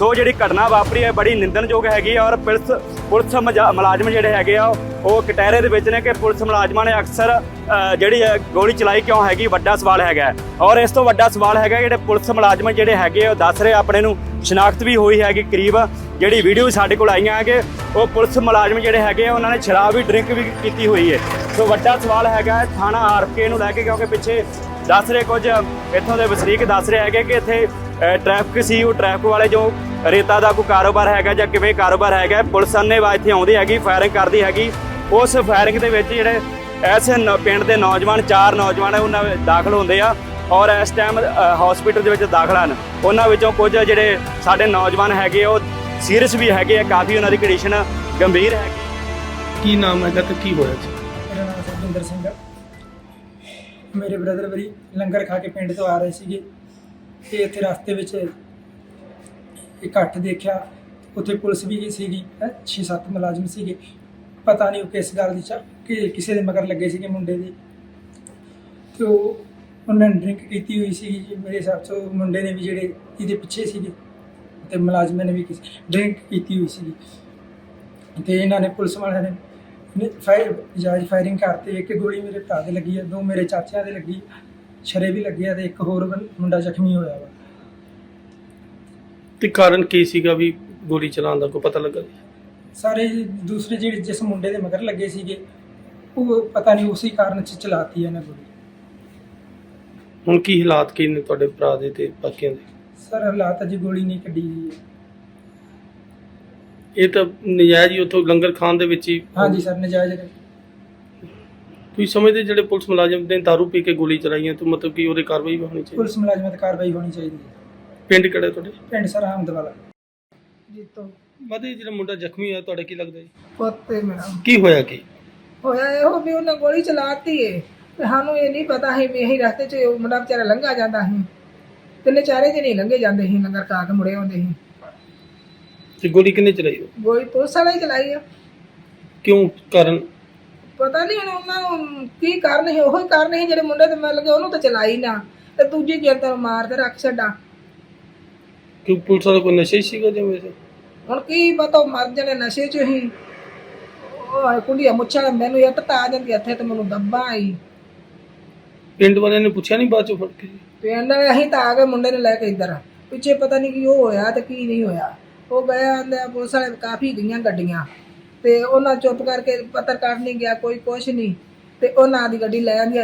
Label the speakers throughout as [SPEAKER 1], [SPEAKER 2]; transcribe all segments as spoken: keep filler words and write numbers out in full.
[SPEAKER 1] ਸੋ ਜਿਹੜੀ ਘਟਨਾ ਵਾਪਰੀ ਹੈ ਬੜੀ ਨਿੰਦਣਯੋਗ ਹੈਗੀ ਔਰ ਪੁਲਿਸ ਪੁਲਿਸ ਮੁਲਾਜ਼ਮ ਜਿਹੜੇ ਹੈਗੇ ਆ ਉਹ ਕਟਹਿਰੇ ਦੇ ਵਿੱਚ ਨੇ ਕਿ ਪੁਲਿਸ ਮੁਲਾਜ਼ਮਾਂ ਨੇ ਅਕਸਰ ਜਿਹੜੀ ਗੋਲੀ ਚਲਾਈ ਕਿਉਂ ਹੈਗੀ, ਵੱਡਾ ਸਵਾਲ ਹੈਗਾ। ਔਰ ਇਸ ਤੋਂ ਵੱਡਾ ਸਵਾਲ ਹੈਗਾ ਜਿਹੜੇ ਪੁਲਿਸ ਮੁਲਾਜ਼ਮ ਜਿਹੜੇ ਹੈਗੇ ਉਹ ਦੱਸ ਰਹੇ ਆਪਣੇ ਨੂੰ ਸ਼ਨਾਖਤ ਵੀ ਹੋਈ ਹੈਗੀ ਕਰੀਬ, ਜਿਹੜੀ ਵੀਡੀਓ ਸਾਡੇ ਕੋਲ ਆਈਆਂ ਹੈ ਕਿ ਉਹ ਪੁਲਿਸ ਮੁਲਾਜ਼ਮ ਜਿਹੜੇ ਹੈਗੇ ਆ ਉਹਨਾਂ ਨੇ ਸ਼ਰਾਬ ਵੀ ਡਰਿੰਕ ਵੀ ਕੀਤੀ ਹੋਈ ਹੈ। ਸੋ ਵੱਡਾ ਸਵਾਲ ਹੈਗਾ ਥਾਣਾ ਆਰ ਕੇ ਨੂੰ ਲੈ ਕੇ, ਕਿਉਂਕਿ ਪਿੱਛੇ ਦੱਸ ਰਹੇ ਕੁਝ ਇੱਥੋਂ ਦੇ ਵਸਨੀਕ ਦੱਸ ਰਹੇ ਹੈਗੇ ਕਿ ਇੱਥੇ ਟ੍ਰੈਫਿਕ ਸੀ, ਉਹ ਟ੍ਰੈਫਿਕ ਵਾਲੇ ਜੋ ਰੇਤਾ ਦਾ ਕੋਈ ਕਾਰੋਬਾਰ ਹੈਗਾ ਜਾਂ ਕਿਵੇਂ ਕਾਰੋਬਾਰ ਹੈਗਾ, ਪੁਲਿਸ ਅੰਨ੍ਹੇਵਾਹ ਇੱਥੇ ਆਉਂਦੀ ਹੈਗੀ, ਫਾਇਰਿੰਗ ਕਰਦੀ ਹੈਗੀ। ਉਸ ਫਾਇਰਿੰਗ ਦੇ ਵਿੱਚ ਜਿਹੜੇ ਐਸੇ ਪਿੰਡ ਦੇ ਨੌਜਵਾਨ ਚਾਰ ਨੌਜਵਾਨ ਉਹਨਾਂ ਦਾਖਲ ਹੁੰਦੇ ਆ ਔਰ ਇਸ ਟਾਈਮ ਹਸਪੀਟਲ ਦੇ ਵਿੱਚ ਦਾਖਲ ਹਨ। ਉਹਨਾਂ ਵਿੱਚੋਂ ਕੁਝ ਜਿਹੜੇ ਸਾਡੇ ਨੌਜਵਾਨ ਹੈਗੇ ਉਹ ਸੀਰੀਅਸ ਵੀ ਹੈਗੇ ਆ, ਕਾਫੀ ਉਹਨਾਂ ਦੀ ਕੰਡੀਸ਼ਨ ਗੰਭੀਰ ਹੈਗੀ।
[SPEAKER 2] ਕੀ ਨਾਮ ਹੈਗਾ ਤੇ ਕੀ ਹੋਇਆ ਸੀ?
[SPEAKER 3] ਮੇਰਾ ਨਾਮ ਸਰਜਿੰਦਰ ਸਿੰਘ ਹੈ। ਮੇਰੇ ਬ੍ਰਦਰ ਵਰੀ ਲੰਗਰ ਖਾ ਕੇ ਪਿੰਡ ਤੋਂ ਆ ਰਹੇ ਸੀਗੇ ਤੇ ਇੱਥੇ ਰਸਤੇ ਵਿੱਚ ਇਕੱਠ ਦੇਖਿਆ, ਉੱਥੇ ਪੁਲਿਸ ਵੀ ਸੀਗੀ, ਛੇ ਸੱਤ ਮੁਲਾਜ਼ਮ ਸੀਗੇ। ਪਤਾ ਨਹੀਂ ਉਹ ਕਿਸ ਗੱਲ ਦੀ ਚਾ ਕਿ ਕਿਸੇ ਦੇ ਮਗਰ ਲੱਗੇ ਸੀਗੇ ਮੁੰਡੇ ਦੇ, ਤੇ ਉਹ ਉਹਨਾਂ ਨੇ ਡਰਿੰਕ ਕੀਤੀ ਹੋਈ ਸੀਗੀ ਜੀ। ਮੇਰੇ ਹਿਸਾਬ 'ਚ ਮੁੰਡੇ ਨੇ ਵੀ ਜਿਹੜੇ ਇਹਦੇ ਪਿੱਛੇ ਸੀਗੇ ਤੇ ਮੁਲਾਜ਼ਮਾਂ ਨੇ ਵੀ ਡਰਿੰਕ ਕੀਤੀ ਹੋਈ ਸੀਗੀ ਤੇ ਇਹਨਾਂ ਨੇ ਪੁਲਿਸ ਵਾਲਿਆਂ ਨੇ ਫਾਇਰ ਜਾਇਜ਼ ਫਾਇਰਿੰਗ ਕਰਤੇ। ਇੱਕ ਗੋਲੀ ਮੇਰੇ ਭਰਾ ਦੇ ਲੱਗੀ ਹੈ, ਦੋ ਮੇਰੇ ਚਾਚਿਆਂ ਦੇ ਲੱਗੀ, ਛਰੇ ਵੀ ਲੱਗੇ ਆ ਤੇ ਇੱਕ ਹੋਰ ਮੁੰਡਾ ਜ਼ਖਮੀ ਹੋਇਆ ਵਾ।
[SPEAKER 2] ਤੇ ਕਾਰਨ ਕੀ ਸੀਗਾ ਵੀ ਗੋਲੀ ਚਲਾਉਣ ਦਾ, ਕੋਈ ਪਤਾ ਲੱਗਾ?
[SPEAKER 3] ਸਾਰੇ ਦੂਸਰੇ ਜਿਹੜੇ ਜਿਸ ਮੁੰਡੇ ਦੇ ਮਗਰ ਲੱਗੇ ਸੀਗੇ ਉਹ ਪਤਾ ਨਹੀਂ ਉਸੇ ਕਾਰਨ 'ਚ ਚਲਾਤੀ ਇਹਨਾਂ ਗੋਲੀ।
[SPEAKER 2] ਹੁਣ ਕੀ ਹਾਲਾਤ ਕੀ ਨੇ ਤੁਹਾਡੇ ਭਰਾ ਦੇ ਤੇ ਬਾਕੀਆਂ ਦੇ?
[SPEAKER 3] ਸਰ ਹਾਲਾਤ ਅਜੇ ਗੋਲੀ ਨਹੀਂ ਕੱਢੀ ਜੀ।
[SPEAKER 2] ਇਹ ਤਾਂ ਨਜਾਇਜ਼ ਹੀ ਉੱਥੋਂ ਲੰਗਰ ਖਾਣ ਦੇ ਵਿੱਚ ਹੀ?
[SPEAKER 3] ਹਾਂਜੀ ਸਰ ਨਜਾਇਜ਼।
[SPEAKER 2] ਤੁਸੀਂ ਸਮਝਦੇ ਜਿਹੜੇ ਪੁਲਿਸ ਮੁਲਾਜ਼ਮ ਨੇ ਦਾਰੂ ਪੀ ਕੇ ਗੋਲੀ ਚਲਾਈਆਂ ਤਾਂ ਮਤਲਬ ਕਿ ਉਹਦੇ ਕਾਰਵਾਈ ਹੋਣੀ ਚਾਹੀਦੀ?
[SPEAKER 3] ਪੁਲਿਸ ਮੁਲਾਜ਼ਮਾਂ ਤੇ ਕਾਰਵਾਈ ਹੋਣੀ ਚਾਹੀਦੀ ਹੈ।
[SPEAKER 2] ਪਿੰਡ ਕਿਹੜਾ ਤੁਹਾਡੇ?
[SPEAKER 3] ਪਿੰਡ ਸਰ ਅਹਿਮਦਵਾਲਾ ਜੀ ਤੋਂ।
[SPEAKER 2] ਮਦੇ ਜਿਹੜਾ ਮੁੰਡਾ ਜ਼ਖਮੀ ਹੋਇਆ ਤੁਹਾਡਾ ਕੀ ਲੱਗਦਾ ਜੀ?
[SPEAKER 4] ਪੁੱਤੇ ਮੇਰਾ
[SPEAKER 2] ਕੀ ਹੋਇਆ? ਕੀ
[SPEAKER 4] ਹੋਇਆ ਇਹੋ ਵੀ ਉਹਨੇ ਗੋਲੀ ਚਲਾਤੀ ਏ ਤੇ ਸਾਨੂੰ ਇਹ ਨਹੀਂ ਪਤਾ ਸੀ ਵੀ ਇਹੀ ਰਸਤੇ 'ਚ ਮੁੰਡਾ ਵਿਚਾਰਾ ਲੰਘਾ ਜਾਂਦਾ ਸੀ। ਤਿੰਨੇ ਚਾਰੇ ਜਣੇ ਲੰਘੇ ਜਾਂਦੇ ਸੀ, ਲੰਗਰ ਖਾ ਕੇ ਮੁੜੇ ਆਉਂਦੇ ਸੀ।
[SPEAKER 2] ਤੇ ਗੋਲੀ ਕਿੰਨੇ ਚਲਾਈ?
[SPEAKER 4] ਗੋਲੀ ਪੁਲਿਸ ਵਾਲਾ ਹੀ ਚਲਾਈ ਆ।
[SPEAKER 2] ਕਿਉਂ? ਕਾਰਨ
[SPEAKER 4] ਪਤਾ ਨਹੀਂ ਹੁਣ ਉਹਨਾਂ ਨੂੰ ਕੀ ਕਾਰਨ ਸੀ, ਉਹੀ ਕਾਰਨ ਸੀ ਜਿਹੜੇ ਮੁੰਡੇ ਤੇ ਮਿਲ ਗਏ ਉਹਨੂੰ ਤਾਂ ਚਲਾਈ ਨਾ ਤੇ ਦੂਜੀ ਗਿਰਦਾ ਮਾਰ ਤੇ ਰੱਖ ਛੱਡਾ।
[SPEAKER 2] ਕਿ ਪੁਲਿਸ ਵਾਲਾ ਕੋਈ ਨਸ਼ੇ ਸੀਗਾ ਜਿਵੇਂ?
[SPEAKER 4] ਹੁਣ ਕੀ ਪਤਾ ਮਰ ਜਾਣੇ ਨਸ਼ੇ 'ਚ ਹੀ। ਉਹ ਕੁੰਡੀਆਂ ਮੁੱਛਾਂ ਮੈਨੂੰ ਇੱਟ ਤਾਂ ਆ ਜਾਂਦੀ ਇੱਥੇ ਤੇ ਮੈਨੂੰ ਦੱਬਾ ਆਈ।
[SPEAKER 2] ਪਿੰਡ ਵਾਲਿਆਂ ਨੇ ਪੁੱਛਿਆ ਨਹੀਂ ਬਾਅਦ ਚੋਂ ਫੜ ਕੇ?
[SPEAKER 4] ਪਿੰਡ ਅਸੀਂ ਤਾਂ ਆ ਗਏ ਮੁੰਡੇ ਨੂੰ ਲੈ ਕੇ ਇੱਧਰ, ਪਿੱਛੇ ਪਤਾ ਨਹੀਂ ਕੀ ਉਹ ਹੋਇਆ ਤੇ ਕੀ ਨਹੀਂ ਹੋਇਆ। ਉਹ ਗਏ ਆਂਦੇ ਪੁਲਿਸ ਵਾਲੇ ਕਾਫੀ ਗਈਆਂ ਗੱਡੀਆਂ ਤੇ ਉਹਨਾਂ ਚੁੱਪ ਕਰਕੇ ਪੱਤਰਕਾਰ ਨਹੀਂ ਗਿਆ, ਕੋਈ ਕੁਛ ਨਹੀਂ ਤੇ ਉਹਨਾਂ ਦੀ ਗੱਡੀ ਲੈ ਆਂਦੀ।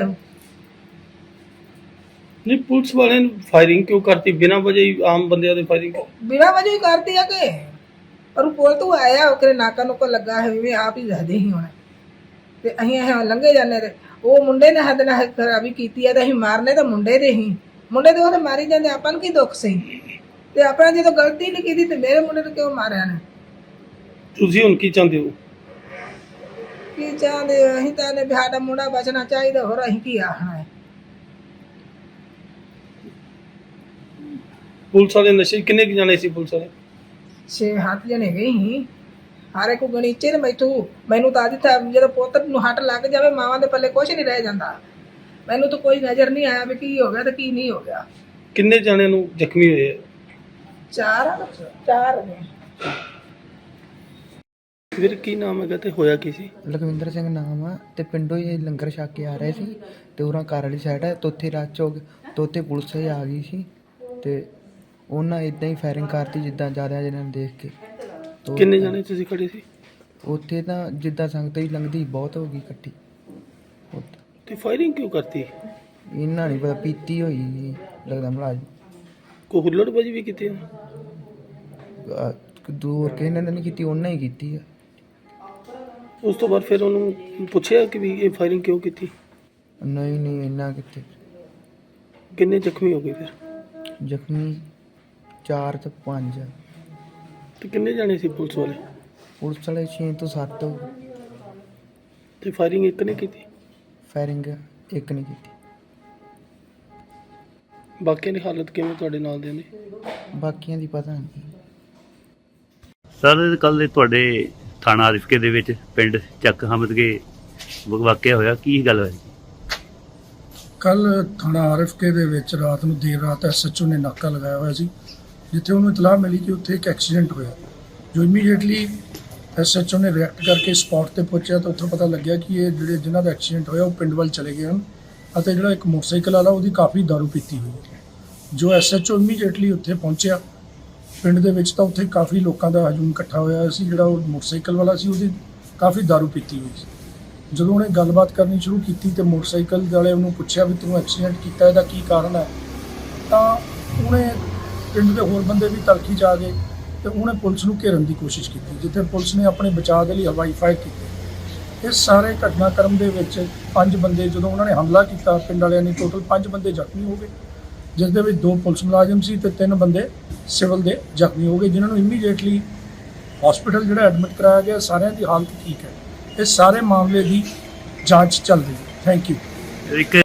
[SPEAKER 2] ਨਹੀਂ ਪੁਲਿਸ ਵਾਲਿਆਂ ਨੇ ਫਾਇਰਿੰਗ ਕਿਉਂ ਕਰਤੀ ਬਿਨਾਂ ਵਜ੍ਹਾ ਹੀ? ਆਮ ਬੰਦਿਆਂ ਦੇ ਫਾਇਰਿੰਗ
[SPEAKER 4] ਬਿਨਾਂ ਵਜ੍ਹਾ ਹੀ ਕਰਤੀ ਆ ਕਿ ਪਰ ਕੋਲ ਤੋਂ ਆਇਆ ਉਹ ਨਾਕਾ ਨੂੰ ਕੋ ਲੱਗਾ ਹੈ ਵੀ ਆਪ ਹੀ ਦੱਸਦੇ ਸੀ ਹੁਣ ਤੇ ਅਸੀਂ ਇਹ ਲੰਘੇ ਜਾਂਦੇ ਤੇ ਉਹ ਮੁੰਡੇ ਨੇ ਹੱਦ ਨਾਲ ਖਰਾਬੀ ਕੀਤੀ ਆ ਤੇ ਅਸੀਂ ਮਾਰਨੇ ਤਾਂ ਮੁੰਡੇ ਦੇ ਹੀ, ਮੁੰਡੇ ਦੇ ਉਹਦੇ ਮਾਰੀ ਜਾਂਦੇ। ਆਪਾਂ ਨੂੰ ਕੀ ਦੁੱਖ ਸੀ ਤੇ ਆਪਣਾ ਜਦੋਂ ਗਲਤੀ ਨਹੀਂ ਕੀਤੀ ਤੇ ਮੇਰੇ ਮੁੰਡੇ ਨੂੰ ਕਿਉਂ ਮਾਰਿਆ ਨੇ?
[SPEAKER 2] ਤੁਸੀਂ ਹੁਣ ਕੀ ਚਾਹੁੰਦੇ ਹੋ?
[SPEAKER 4] ਕੀ ਚਾਹੁੰਦੇ ਅਸੀਂ ਤਾਂ ਨੇ ਵੀ ਸਾਡਾ ਮੁੰਡਾ ਬਚਣਾ ਚਾਹੀਦਾ, ਹੋਰ ਅਸੀਂ ਕੀ ਆਖਣਾ ਹੈ।
[SPEAKER 2] ਪੁਲਿਸ ਵਾਲੇ ਨਸ਼ੇ ਕਿੰਨੇ ਕੁ ਜਾਣੇ ਸੀ? ਪੁਲਿਸ ਵਾਲੇ
[SPEAKER 4] ਛੇ ਹੱਥ ਜਣੇ ਗਏ ਸੀ, ਹਾਰੇ ਕੋ ਗਣੀਚੇ ਨੇ ਮੈਥੋਂ ਮੈਨੂੰ ਤਾਂ ਅੱਜ ਤਾਂ ਜਦੋਂ ਪੁੱਤ ਨੂੰ ਹੱਟ ਲੱਗ ਜਾਵੇ ਮਾਵਾਂ ਦੇ ਪੱਲੇ ਕੁਛ ਨਹੀਂ ਰਹਿ ਜਾਂਦਾ। ਮੈਨੂੰ ਤਾਂ ਕੋਈ ਨਜ਼ਰ ਨਹੀਂ ਆਇਆ ਵੀ ਕੀ ਹੋ ਗਿਆ ਤੇ ਕੀ ਨਹੀਂ ਹੋ ਗਿਆ।
[SPEAKER 2] ਕਿੰਨੇ ਜਾਣਿਆਂ ਨੂੰ ਜ਼ਖਮੀ ਹੋਏ ਆ?
[SPEAKER 4] ਚਾਰ ਚਾਰ ਨੇ।
[SPEAKER 2] ਵੀਰ ਕੀ ਨਾਮ ਹੈਗਾ ਤੇ ਹੋਇਆ ਕੀ ਸੀ?
[SPEAKER 5] ਲਖਵਿੰਦਰ ਸਿੰਘ ਨਾਮ ਆ ਤੇ ਪਿੰਡੋਂ ਹੀ ਲੰਗਰ ਛਕ ਕੇ ਆ ਰਹੇ ਸੀ ਤੇ ਉਹਨਾਂ ਘਰ ਵਾਲੀ ਸਾਈਡ ਹੈ ਤੇ ਉੱਥੇ ਰਾਤ ਚੌਕ ਤੇ ਉੱਥੇ ਪੁਲਿਸ ਆ ਗਈ ਸੀ ਤੇ ਉਹਨਾਂ ਇਦਾਂ ਹੀ ਫਾਇਰਿੰਗ ਕਰਤੀ ਜਿੱਦਾਂ ਜ਼ਿਆਦਾ ਜਿਹਨਾਂ ਨੂੰ ਦੇਖ ਕੇ।
[SPEAKER 2] ਕਿੰਨੇ ਜਾਣੇ ਤੁਸੀਂ ਖੜੇ ਸੀ
[SPEAKER 5] ਉੱਥੇ? ਤਾਂ ਜਿੱਦਾਂ ਸੰਗਤ ਹੀ ਲੰਘਦੀ ਬਹੁਤ ਹੋ ਗਈ ਇਕੱਠੀ।
[SPEAKER 2] ਤੇ ਫਾਇਰਿੰਗ ਕਿਉਂ ਕਰਤੀ?
[SPEAKER 5] ਇਹਨਾਂ ਨਹੀਂ ਪਤਾ, ਪੀਤੀ ਹੋਈ ਜੀ ਲੱਗਦਾ ਮੁਲਾਜ਼ਮ।
[SPEAKER 2] ਕੋਈ ਹੁੱਲੜਬਾਜੀ ਵੀ ਕੀਤੀ?
[SPEAKER 5] ਦੂਰ ਕਿਸੇ ਨੇ ਨਹੀਂ ਕੀਤੀ, ਉਹਨਾਂ ਹੀ ਕੀਤੀ ਆ।
[SPEAKER 2] ਉਸ ਤੋਂ ਬਾਅਦ ਫਿਰ ਉਹਨੂੰ ਪੁੱਛਿਆ ਕਿ ਵੀ ਇਹ ਫਾਇਰਿੰਗ ਕਿਉਂ ਕੀਤੀ?
[SPEAKER 5] ਨਹੀਂ ਨਹੀਂ ਇੰਨਾ ਕਿੱਥੇ।
[SPEAKER 2] ਕਿੰਨੇ ਜ਼ਖਮੀ ਹੋ ਗਏ ਫਿਰ?
[SPEAKER 5] ਜ਼ਖਮੀ ਚਾਰ ਤੇ ਪੰਜ।
[SPEAKER 2] ਤੇ ਕਿੰਨੇ ਜਾਣੇ ਸੀ ਪੁਲਿਸ ਵਾਲੇ?
[SPEAKER 5] ਪੁਲਿਸ ਵਾਲੇ ਛੇ ਤੋਂ ਸੱਤ।
[SPEAKER 2] ਤੇ ਫਾਇਰਿੰਗ ਇੱਕ ਨੇ ਕੀਤੀ?
[SPEAKER 5] ਫਾਇਰਿੰਗ ਇੱਕ ਨੇ ਕੀਤੀ।
[SPEAKER 2] ਬਾਕੀਆਂ ਦੀ ਹਾਲਤ ਕਿਵੇਂ ਤੁਹਾਡੇ ਨਾਲ ਦੇ ਨੇ?
[SPEAKER 5] ਬਾਕੀਆਂ ਦੀ ਪਤਾ ਨਹੀਂ
[SPEAKER 6] ਸਰ। ਕੱਲ੍ਹ ਦੇ ਤੁਹਾਡੇ ਥਾਣਾ ਆਰਿਫਕੇ ਦੇ ਵਿੱਚ ਪਿੰਡ ਚੱਕ ਹਮਦਗੇ ਵਾਕਿਆ ਹੋਇਆ, ਕੀ ਗੱਲ ਹੋਈ?
[SPEAKER 7] ਕੱਲ ਥਾਣਾ ਆਰਿਫਕੇ ਦੇ ਵਿੱਚ ਰਾਤ ਨੂੰ ਦੇਰ ਰਾਤ ਐਸ ਐਚ ਓ ਨੇ ਨਾਕਾ ਲਗਾਇਆ ਹੋਇਆ ਸੀ ਜਿੱਥੇ ਉਹਨੂੰ ਇਤਲਾਹ ਮਿਲੀ ਕਿ ਉੱਥੇ ਇੱਕ ਐਕਸੀਡੈਂਟ ਹੋਇਆ। ਜੋ ਇਮੀਡੀਏਟਲੀ ਐਸਐਚਓ ਨੇ ਰਿਐਕਟ ਕਰਕੇ ਸਪੌਟ ਤੇ ਪਹੁੰਚਿਆ ਤਾਂ ਉੱਥੋਂ ਪਤਾ ਲੱਗਿਆ ਕਿ ਇਹ ਜਿਹੜੇ ਜਿਨ੍ਹਾਂ ਦਾ ਐਕਸੀਡੈਂਟ ਹੋਇਆ ਉਹ ਪਿੰਡ ਵੱਲ ਚਲੇ ਗਏ ਹਨ ਅਤੇ ਜਿਹੜਾ ਇੱਕ ਮੋਟਰਸਾਈਕਲ ਵਾਲਾ ਉਹਦੀ ਕਾਫੀ ਦਾਰੂ ਪੀਤੀ ਹੋਈ ਹੈ। ਜੋ ਐਸਐਚਓ ਇਮੀਡੀਏਟਲੀ ਉੱਥੇ ਪਹੁੰਚਿਆ ਪਿੰਡ ਦੇ ਵਿੱਚ ਤਾਂ ਉੱਥੇ ਕਾਫੀ ਲੋਕਾਂ ਦਾ ਹਜੂਮ ਇਕੱਠਾ ਹੋਇਆ ਸੀ। ਜਿਹੜਾ ਉਹ ਮੋਟਰਸਾਈਕਲ ਵਾਲਾ ਸੀ ਉਹਦੀ ਕਾਫੀ ਦਾਰੂ ਪੀਤੀ ਹੋਈ ਸੀ। ਜਦੋਂ ਉਹਨੇ ਗੱਲਬਾਤ ਕਰਨੀ ਸ਼ੁਰੂ ਕੀਤੀ ਤੇ ਮੋਟਰਸਾਈਕਲ ਵਾਲੇ ਉਹਨੂੰ ਪੁੱਛਿਆ ਵੀ ਤੂੰ ਐਕਸੀਡੈਂਟ ਕੀਤਾ, ਇਹਦਾ ਕੀ ਕਾਰਨ ਹੈ, ਤਾਂ ਉਹਨੇ ਪਿੰਡ ਦੇ ਹੋਰ ਬੰਦੇ ਵੀ ਤਲਖੀ 'ਚ ਆ ਗਏ ਤੇ ਉਹਨੇ ਪੁਲਿਸ ਨੂੰ ਘੇਰਨ ਦੀ ਕੋਸ਼ਿਸ਼ ਕੀਤੀ, ਜਿੱਥੇ ਪੁਲਿਸ ਨੇ ਆਪਣੇ ਬਚਾਅ ਦੇ ਲਈ ਹਵਾਈ ਫਾਇਰ ਕੀਤੀ। ਇਸ ਸਾਰੇ ਘਟਨਾਕ੍ਰਮ ਦੇ ਵਿੱਚ ਪੰਜ ਬੰਦੇ, ਜਦੋਂ ਉਹਨਾਂ ਨੇ ਹਮਲਾ ਕੀਤਾ ਪਿੰਡ ਵਾਲਿਆਂ ਨੇ, ਟੋਟਲ ਪੰਜ ਬੰਦੇ ਜ਼ਖਮੀ ਹੋ ਗਏ, ਜਿਸ ਦੇ ਵਿੱਚ ਦੋ ਪੁਲਿਸ ਮੁਲਾਜ਼ਮ ਸੀ ਤੇ ਤਿੰਨ ਬੰਦੇ ਸਿਵਲ ਦੇ ਜ਼ਖਮੀ ਹੋ ਗਏ, ਜਿਨ੍ਹਾਂ ਨੂੰ ਇਮੀਡੀਏਟਲੀ ਹਸਪੀਟਲ ਜਿਹੜਾ ਐਡਮਿਟ ਕਰਾਇਆ ਗਿਆ। ਸਾਰਿਆਂ ਦੀ ਹਾਲਤ ਠੀਕ ਹੈ। ਇਸ ਸਾਰੇ ਮਾਮਲੇ ਦੀ ਜਾਂਚ ਚੱਲ ਰਹੀ ਹੈ। Thank you.
[SPEAKER 6] ਇੱਕ